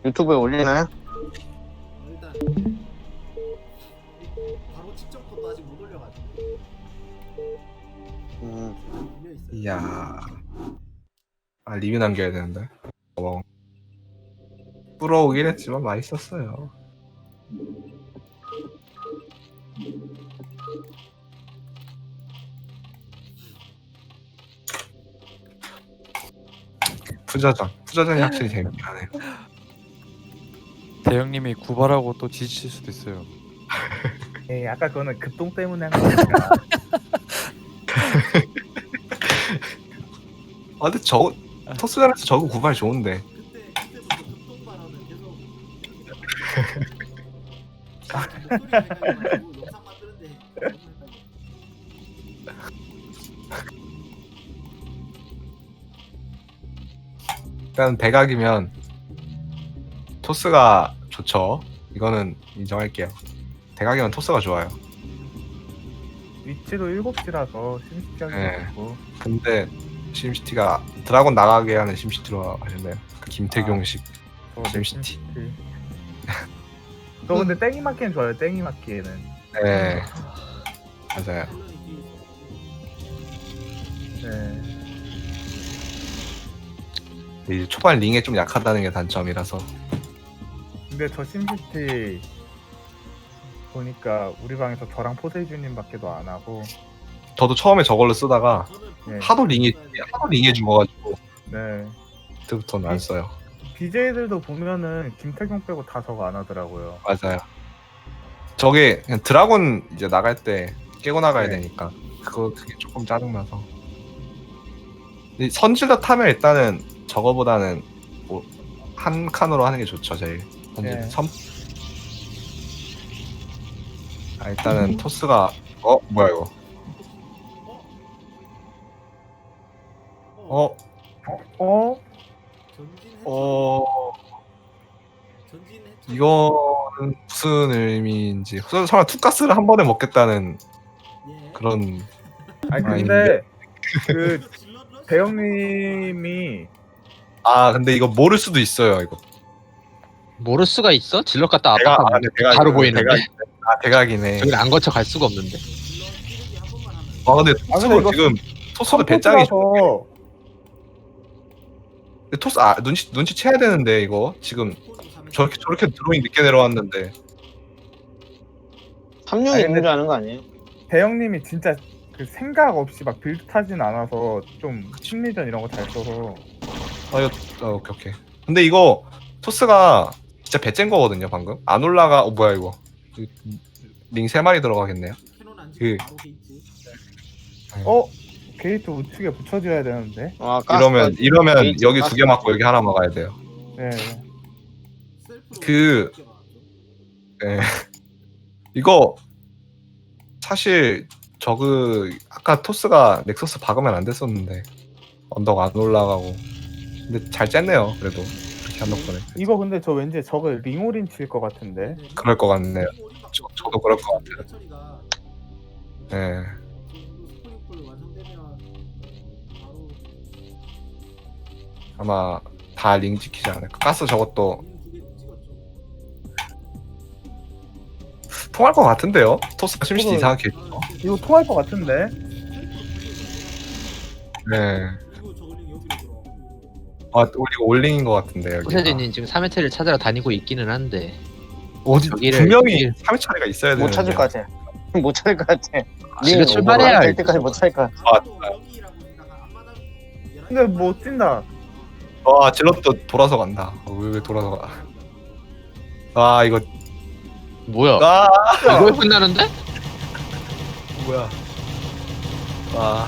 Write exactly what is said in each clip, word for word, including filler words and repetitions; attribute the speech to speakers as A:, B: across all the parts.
A: 유튜브에 올리나요?
B: 일단 바로 직접 것도 아직 못 올려가지고
A: 음.
B: 밀려 있어요.
C: 이야. 아 리뷰 남겨야 되는데. 어. 불어오긴 했지만 맛있었어요. 푸저전. 푸저전이 확실히 재밌긴 하네요.
D: 대형님이 구발하고 또 지칠 수도 있어요.
E: 예, 아까 그거는 급동 때문에 한 거니까.
C: 아 근데 저 토스전에서 저거 구발 좋은데.
B: 그때 그때부터 극동 발언을 계속 목소리가 헷갈려가지고 영상 만드는데 너무 헷갈려.
C: 일단 대각이면 토스가 좋죠. 이거는 인정할게요. 대각이면 토스가 좋아요.
E: 위치도 일곱 시라서 심시하게
C: 네.
E: 되고.
C: 근데 심시티가 드라곤 나가게 하는 심시티로 하셨나요? 그 김태경식
E: 저 네,
C: 심시티.
E: 심시티. 저 근데 땡이 맞기엔 좋아요. 땡이 맞기에는.
C: 네 맞아요.
B: 밸런이 뒤에 있어.
E: 네.
C: 이 초반 링에 좀 약하다는 게 단점이라서.
E: 근데 저 심시티 보니까 우리 방에서 저랑 포세이주님밖에도 안 하고.
C: 저도 처음에 저걸로 쓰다가
B: 저는
E: 네.
C: 하도 링이 하도 링에 죽어가지고
E: 네.
C: 그때부터는 안 써요.
E: 비제이들도 보면은 김태경 빼고 다 저거 안 하더라고요.
C: 맞아요. 저게 그냥 드라곤 이제 나갈 때 깨고 나가야
E: 네.
C: 되니까 그거 그게 조금 짜증나서. 근데 선질러 타면 일단은 저거보다는 뭐 한 칸으로 하는 게 좋죠 제일. 선질
E: 네.
C: 섬. 아 일단은 토스가 어 뭐야 이거? 어
E: 어?
B: 전진 해처리.
C: 어.
B: 전진 해처리.
C: 이거는 무슨 의미인지 서- 설마 투가스를 한 번에 먹겠다는
B: 예.
C: 그런.
E: 아니
C: 아,
E: 근데 그
B: 질러 러시.
E: 대형님이
C: 아 근데 이거 모를 수도 있어요 이거.
F: 모를 수가 있어? 질럿 갔다
C: 대각
F: 압박하면
C: 아, 네, 대각
F: 바로 보이는데
C: 대각, 아 대각이네.
F: 저기를 안 거쳐 갈 수가 없는데.
B: 질러 찌르기 한 번만 하면.
C: 아 근데
E: 아,
C: 토스도
E: 근데 이거
C: 지금 토스도 배짱이 좋-
E: 컴포트라서
C: 근데 토스 아 눈치 눈치 채야 되는데 이거 지금 저렇게 저렇게 드로잉 늦게 내려왔는데.
A: 삼 룡이
E: 아니,
A: 있는
E: 근데-
A: 줄 아는 거 아니에요?
E: 대형님이 진짜 그 생각 없이 막 빌드 타진 않아서 좀 심리전 이런 거 잘 써서.
C: 아 이거 아, 오케이 오케이. 근데 이거 토스가 진짜 배짱 거거든요 방금. 안 올라가. 어 뭐야 이거. 링 세 마리 들어가겠네요.
B: 캐논 안
C: 그-
B: 치고 바로 게이트.
E: 어? 게이트 우측에 붙여줘야 되는데.
A: 아, 가스
C: 이러면
A: 빠지-
C: 이러면
A: 게이트
C: 여기
A: 가스
C: 두 개 맞고
A: 빠지-
C: 여기 하나 막아야 돼요.
E: 네.
B: 셀프로
C: 그-
B: 늦게 막았죠.
C: 네. 이거 사실 저그 아까 토스가 넥서스 박으면 안 됐었는데 언덕 안 올라가고. 근데 잘 쨌네요 그래도 그렇게 한 덕분에.
E: 이거 근데 저 왠지 저거 링올인 칠 것 같은데.
B: 네,
C: 그럴 것 같네요.
B: 오리밖에
C: 저-
B: 없죠.
C: 저도 그럴 것 같아요.
B: 해처리가
C: 네.
B: 스프링풀 완성되면 바로
C: 아마 다 링 지키지 않을까. 가스 저것도
B: 두개 찍었죠.
C: 통할 것 같은데요. 토스가 심시티
E: 저도-
C: 이상하게.
E: 이거 통할 것 같은데.
C: 네.
B: 그리고 저글링 여기로 들어.
C: 아 우리 올링인 것 같은데 여기.
F: 호세진님 지금 삼 회차를 찾으러 다니고 있기는 한데
C: 어디
F: 저기를-
C: 분명히
F: 저기를-
C: 삼 회 처리가 있어야 되는데.
A: 못 찾을 것 같아. 못 찾을 것 같아.
F: 지금
A: 링
F: 출발해야
A: 오버가 될
F: 알지.
A: 때까지 못 찾을 것 같아.
C: 아,
B: 여기라고 생각한 앞마당
E: 근데 못 뛴다.
C: 와 질럿도 돌아서 간다. 어, 왜, 왜 돌아서 가? 아 이거
F: 뭐야?
C: 아
F: 이거 끝나는데?
C: 뭐야? 아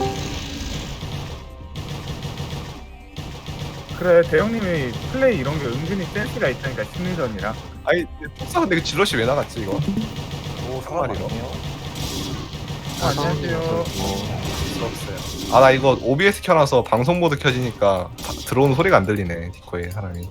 E: 그래 대형님이 플레이 이런 게 은근히 센스가 있다니까 심리전이라.
C: 아니 토스 근데 그 질럿이 왜 나갔지 이거? 오 상마리로.
E: 아, 안녕하세요.
C: 부럽어요. 아 나 이거 오비에스 켜놔서 방송 모드 켜지니까 다- 들어오는 소리가 안 들리네 디코에 사람이.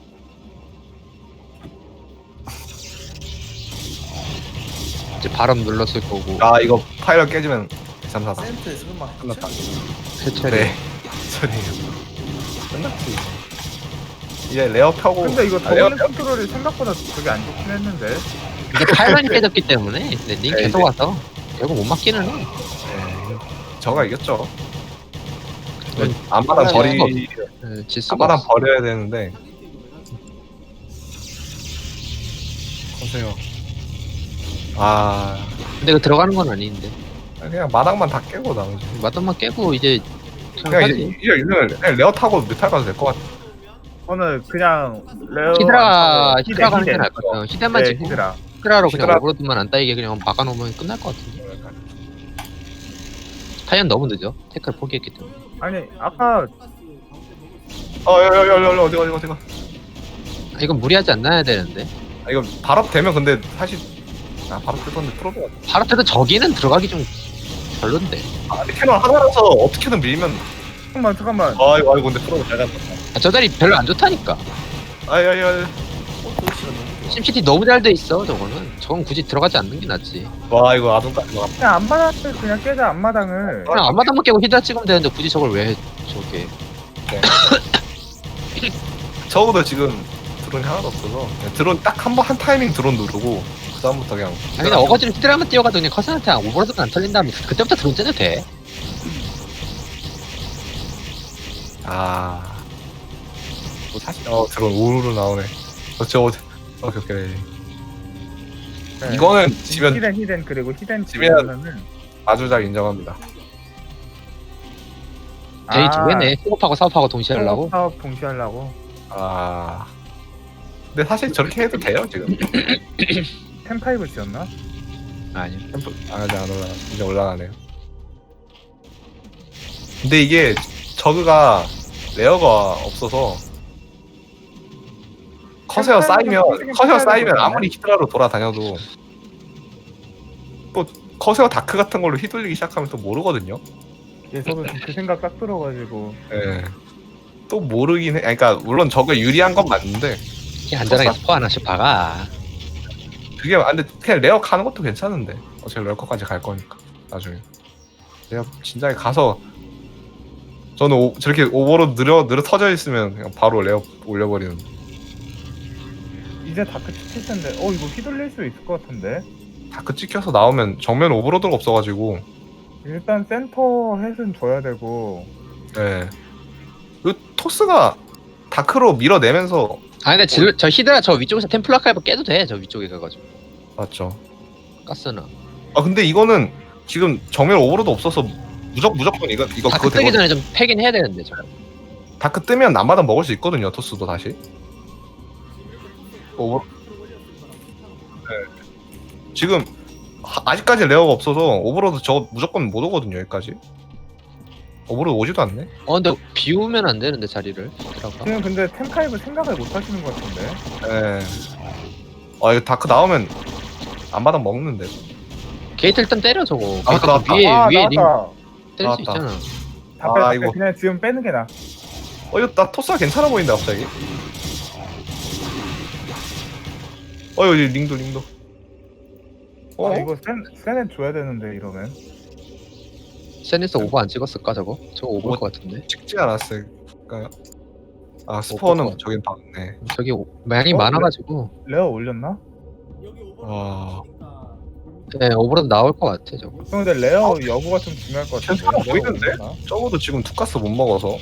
F: 이제 바람 눌렀을 거고
C: 아 이거 파일럿 깨지면 삼 사 사
B: 센트 설마
C: 끝났다.
F: 해처리
C: 네 소리예요. 끝났지. 이제 레어 펴고.
E: 근데 이거
C: 아, 레어
E: 더블링 컨트롤이 생각보다 되게 안 좋긴 했는데.
F: 이게 팔만이 깨졌기 때문에 랜딩
C: 네,
F: 계속
C: 이제-
F: 와서 결국 못 맞기는 해.
C: 네. 저가 이겼죠.
F: 그건
C: 앞마당
F: 할
C: 버리
F: 수가 네, 질 수가
C: 앞마당
F: 없어.
C: 버려야 되는데. 보세요. 아
F: 근데 그 들어가는 건 아닌데
C: 그냥 마당만 다 깨고 나머지.
F: 마당만 깨고 이제 그냥
C: 그냥
F: 하지.
C: 이제 이제 이제 그냥 레어 타고 뮤탈 가도 될 것 같아.
E: 오늘 그냥 레어
F: 히드라
E: 안 타고
F: 히드라 가는 게
E: 히덴.
F: 나을 것 같아요. 히드라만
E: 네,
F: 지금
E: 히드라.
F: 히드라로 그냥
C: 히드라.
F: 오버로드만 안 따이게 그냥 막아놓으면 끝날 것 같은데. 타이언 너무 늦어. 태클 포기했기 때문에.
E: 아니 아까
C: 어여여여 어디가 어디가 어디가.
F: 아, 이건 무리하지 않아야 되는데.
C: 아, 이거 발업 되면 근데 사실 아 발업 되던데 프로브가.
F: 바로 때도 저기는 들어가기 좀 별론데.
C: 아 근데 캐논 하나라서 어떻게든 밀면.
E: 잠깐만 잠깐만.
C: 아이고 아이고 근데 프로브 잘 갔다.
F: 아, 저 자리 별로 안 좋다니까.
C: 아야야.
F: 심시티 너무 잘 돼 있어. 저거는. 저건 굳이 들어가지 않는 게 낫지.
C: 와 이거 아둔까지 막.
E: 그냥 앞마당을 그냥 깨자 앞마당을.
F: 그냥 앞마당만 깨고 히드라 찍으면 되는데 굳이 저걸 왜 해? 저게.
C: 적어도 지금 드론이 하나도 없어서 그냥 드론 딱 한 번 한 타이밍 드론 누르고 그 다음부터 그냥.
F: 아니 그냥 어거지로 히드라만 뛰어가도 그냥 커슨한테 오버로드가 안 털린다면 그때부터 드론 째도 돼.
C: 아. 뭐 사실 어 드론 우르르 나오네. 어저 어디. 오케이 오케이.
E: 네.
C: 이거는 지면
E: 히덴 히덴 그리고 히덴
C: 지면-
E: 지면은
C: 아주 잘 인정합니다.
F: 제이 두 개네. 수업하고 사업하고 동시에 하려고.
E: 사업 동시에 하려고.
C: 아. 근데 사실 저렇게 해도 돼요 지금.
E: 텐파이브 지었나?
F: 아니요.
C: 템플 아직 안 올라. 이제 올라가네요. 근데 이게 저그가 레어가 없어서 커세어 쌓이면 커세어 쌓이면 아무리 히드라로 돌아다녀도 또 커세어 다크 같은 걸로 휘둘리기 시작하면 또 모르거든요.
E: 예, 저도 지금 그 생각 딱 들어가지고.
C: 예. 또 모르긴 해. 아니, 그러니까 물론 저거 유리한 건 맞는데
F: 이렇게 안전하게 스포 하나씩 박아.
C: 그게 아, 근데 그냥 레어 가는 것도 괜찮은데 어차피 레어커까지 갈 거니까 나중에 내가 진작에 가서 저는 오, 저렇게 오버로 느려 느려 터져 있으면 그냥 바로 레어 올려버리는.
E: 이제 다크 찍힐 텐데. 어 이거 휘둘릴 수 있을 것 같은데.
C: 다크 찍혀서 나오면 정면 오버로드가 없어가지고
E: 일단 센터 햇은 줘야 되고.
C: 예. 그 토스가 다크로 밀어내면서
F: 아 근데 질, 저 히드라 저 위쪽에서 템플 아카이브 깨도 돼. 저 위쪽에 가가지고.
C: 맞죠.
F: 가스는.
C: 아 근데 이거는 지금 정면 오버로드 없어서 무적 무조건 이거 이거
F: 다크
C: 그거
F: 뜨기
C: 되거
F: 전에 좀 패긴 해야 되는데 저거.
C: 다크 뜨면 남마다 먹을 수 있거든요. 토스도 다시. 오버. 네. 지금 하- 아직까지 레어가 없어서 오버로드 저 무조건 못 오거든요. 여기까지. 오버로드 오지도 않네.
F: 어 근데 비우면 안 되는데 자리를 히드라가.
E: 지금 근데 텐파이브 생각을 못 하시는 것 같은데.
C: 예. 아 이거 다크 나오면 안마당 먹는데.
F: 게이트 일단 때려 저거.
C: 아,
F: 아까
C: 나왔다.
F: 위에
E: 아
F: 위에 링
E: 나왔다.
F: 때릴 수
C: 나왔다.
F: 있잖아.
E: 다 빼,
C: 아,
E: 다 빼.
C: 이거.
E: 그냥 지금 빼는 게 나.
C: 어 이거 나 토스가 괜찮아 보인다 갑자기. 어 여기 링도 링도. 어
E: 아, 이거 센 센에 줘야 되는데 이러면.
F: 세니스 오버 안 찍었을까 저거? 저거 오버일 것 같은데.
C: 찍지 않았을까요? 아
F: 것
C: 스포는
F: 같아.
C: 저긴 박네.
F: 저기 오- 양이
E: 어,
F: 많아가지고.
E: 레어 올렸나?
C: 와.
F: 네 오버로드 나올 것 같아 저거.
E: 형 근데 레어 여부가 좀 중요할 것 같은데.
C: 괜찮아
E: 레어
C: 보이는데?
E: 올렸나?
C: 적어도 지금 투가스 못 먹어서.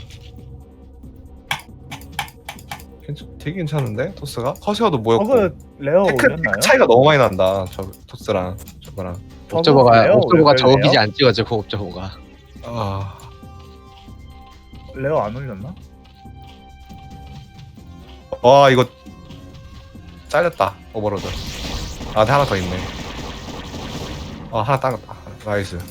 C: 괜찮, 되게 괜찮은데 토스가? 커세어도 모였고.
E: 저거 레어
C: 테크,
E: 올렸나요?
C: 테크 차이가 너무 많이 난다. 저 토스랑 저거랑.
E: 저거
F: 옵저버가
E: 레어
F: 옵저버가
E: 올려요,
F: 저거
E: 레어?
F: 기지 안 찍어지고 옵저버가.
C: 아.
E: 레어 안 올렸나?
C: 와 이거 잘렸다 오버로드. 아 근데 하나 더 있네. 아 하나 따갔다. 나이스.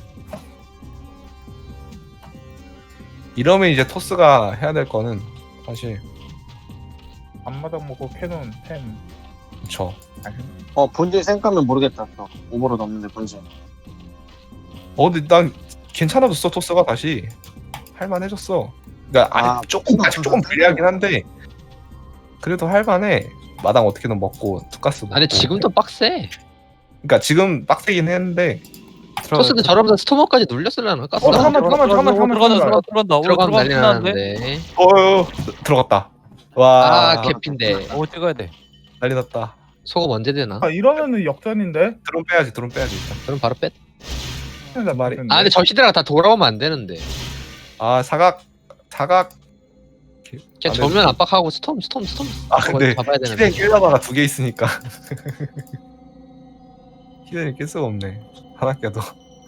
C: 이러면 이제 토스가 해야 될 거는 사실
E: 앞마당 먹고 캐논 템.
C: 그쵸.
E: 아니,
A: 어 본질 생각하면 모르겠다. 또 오버로드 없는데 본질.
C: 어 근데 난 괜찮아졌어 토스가 다시 할만해졌어. 그러니까 아직
A: 아,
C: 조금 아직 조금 불리하긴 한데 그래도 할만해. 마당 어떻게든 먹고 투가스 먹고.
F: 아 근데 지금도 빡세.
C: 그러니까 지금 빡세긴 했는데
F: 토스도 저러면서 스토머까지 눌렸을라나? 가스
E: 어 잠깐만 잠깐만 잠깐만 잠깐만.
D: 들어간다 들어간다 들어간다. 오늘
F: 들어가면
D: 들어가면
F: 난리
D: 끝나는데.
F: 나는데.
C: 어 들어갔다. 와
F: 아 개핀데
D: 오 찍어야 돼.
C: 난리 났다.
F: 소금 언제 되나?
E: 아 이러면은 역전인데?
C: 드론 빼야지 드론 빼야지 일단.
F: 그럼 바로 뺐.
E: 진짜
C: 말이-
E: 맞는데.
F: 아 근데 저 시대랑 다 돌아오면 안 되는데.
C: 아 사각 사각.
F: 그냥
C: 안
F: 정면
C: 되는데.
F: 압박하고 스톰 스톰 스톰.
C: 아
F: 저거
C: 근데
F: 잡아야 되는데.
C: 히덴 낄라다가 두 개 있으니까 히덴이 낄 수가 없네. 하나 껴도.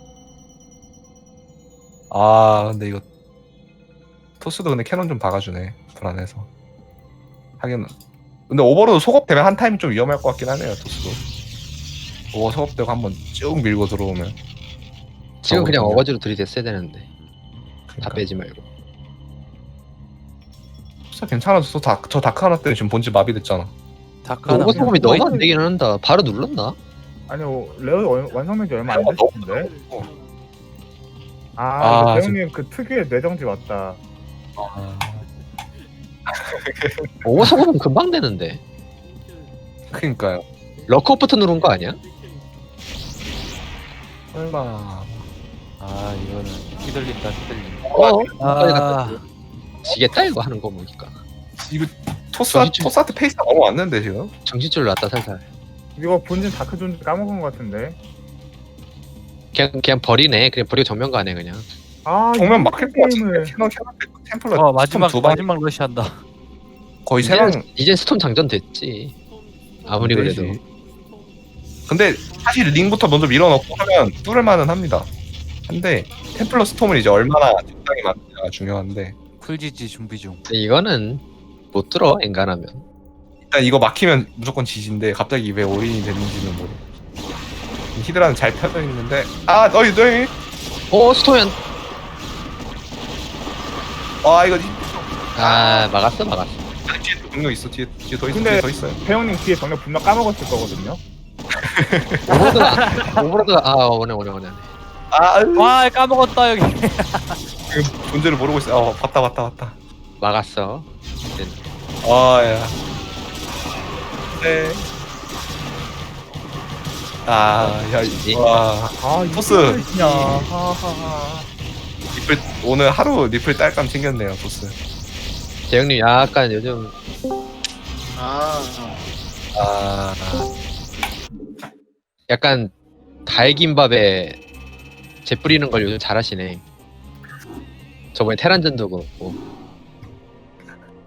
C: 아 근데 이거 토스도 근데 캐논 좀 박아주네. 불안해서. 하긴 근데 오버로드 소급되면 한 타임 좀 위험할 것 같긴 하네요. 토스도. 오버 소급되고 한번 쭉 밀고 들어오면.
F: 지금 그냥
C: 저거든요.
F: 어거지로 들이댔어야 되는데. 다
C: 그러니까.
F: 빼지 말고.
C: 토스 괜찮아서 다, 저 다크 하나 때문에 지금 본질 마비됐잖아.
D: 다크 하나.
F: 오버 소금이
D: 그냥
F: 너무 안 되긴 한다. 바로 눌렀나?
E: 아니 어, 레어 완- 완성된 지 얼마 안
C: 레어가 너무
E: 됐는데.
C: 어.
E: 아,
C: 아,
E: 이거 배우님 그 특유의 뇌정지 맞다.
C: 아,
F: 오버 소금은 금방 되는데.
C: 그니까요.
F: 럭커부터 누른 거 아니야?
C: 설마.
D: 아 이거는 휘둘린다 휘둘린다.
F: 어? 까지 갖다
D: 아
F: 줘. 지겠다 이거 하는 거 보니까.
C: 이거 토스
F: 정신-
C: 토스한테 페이스가 너무 왔는데 지금.
F: 정신줄 났다 살살.
E: 이거 본진 다크 존 까먹은 것 같은데.
F: 그냥 그냥 버리네. 그냥 버리고 정면 가네 그냥.
E: 아
C: 정면
E: 이
C: 막힐 것 같은데.
E: 게임을
C: 캐논 캐논 템플러
D: 어, 마지막
C: 두 방,
D: 마지막 러시한다.
C: 거의 세 방.
F: 이젠, 이젠 스톰 장전 됐지. 아무리 그래도.
C: 되지. 근데 사실 링부터 먼저 밀어넣고 하면 뚫을 만은 합니다. 근데 템플러 스톰은 이제 얼마나 적당히 맞느냐가 중요한데
D: 풀지지 준비 중.
F: 근데 이거는 못 들어 엔간하면.
C: 일단 이거 막히면 무조건 지진데 갑자기 왜 올인이 됐는지는 모르. 히드라는 잘 펴져 있는데 아 너희 너희
F: 어 스톰이 안.
C: 아 이거
F: 아 막았어 막았어.
C: 뒤에 또 분노 있어 뒤에 뒤에 더 있어
E: 근데-
C: 뒤에 더 있어요.
E: 배우님 뒤에 병력 분명 까먹었을 거거든요.
F: 오버로드가 오버로드가 아 오네 오네 오네.
C: 아 으,
D: 와 까먹었다 여기.
C: 지금 문제를 모르고 있어. 어 봤다 봤다 봤다.
F: 막았어.
C: 아야. 네. 아야
F: 지지.
C: 와
E: 아
C: 토스.
E: 이게 그냥 하하하.
C: 리플 오늘 하루 리플 딸감 챙겼네요 토스.
F: 재영님 약간 요즘
A: 아,
C: 아
F: 약간 달김밥에 재 뿌리는 걸 요즘 잘하시네. 저번에 테란전도 그렇고.